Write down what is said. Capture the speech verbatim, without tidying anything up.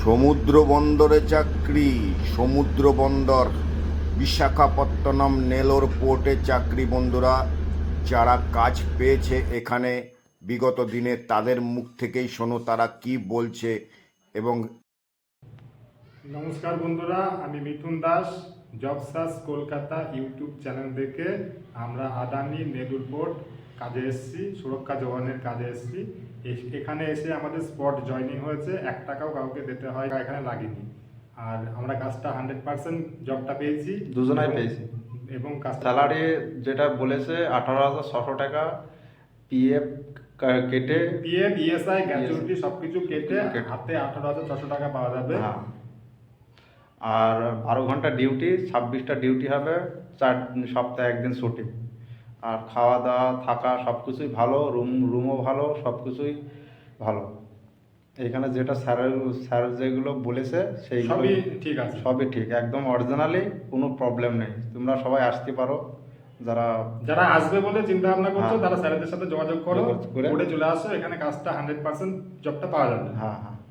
সমুদ্র বন্দরে চাকরি। সমুদ্র বন্দর বিশাখাপত্তনম নেলোর পোর্টে চাকরি। বন্ধুরা, যারা কাজ পেয়েছে এখানে বিগত দিনে তাদের মুখ থেকেই শোনো তারা কি বলছে। এবং নমস্কার বন্ধুরা, আমি Mithun Das. Job search Kolkata YouTube channel থেকে আমরা আদানি নেদুর পোর্ট কাজে এসেছি, সুরক্ষা জওয়ানের কাজে এসেছি। এস- এখানে এসে আমাদের স্পট জয়নিং হয়েছে, এক টাকাও কাউকে দিতে হয় এখানে লাগেনি। আর আমরা কাজটা হান্ড্রেড পার্সেন্ট জবটা পেয়েছি, দুজনাই এবং- পেয়েছি। এবং কাজটা স্যালারি যেটা বলেছে আঠারো হাজার ছশো টাকা, পিএফ কেটে। পিএফ ইএসআই গ্র্যাচুইটি সবকিছু কেটে কেটে। হাতে আঠারো হাজার ছশো টাকা পাওয়া যাবে। হ্যাঁ, আর বারো ঘন্টা ডিউটি, ছাব্বিশটা ডিউটি হবে, চার সপ্তাহে একদিন ছুটি। আর খাওয়া দাওয়া থাকা সব কিছুই ভালো, রুম রুমও ভালো, সব কিছুই ভালো। এখানে যেটা স্যার স্যার যেগুলো বলেছে সেইগুলো সবই ঠিক আছে। সবই ঠিক, একদম অরিজিনালি, কোনো প্রবলেম নেই। তোমরা সবাই আসতে পারো, যারা যারা আসবে বলে চিন্তা ভাবনা করছো হ্যাঁ। তারা স্যারেদের সাথে যোগাযোগ করো, যোগাযোগ করে- করে চলে আসো, এখানে কাজটা হান্ড্রেড পার্সেন্ট জবটা পাওয়া যাবে। হ্যাঁ হ্যাঁ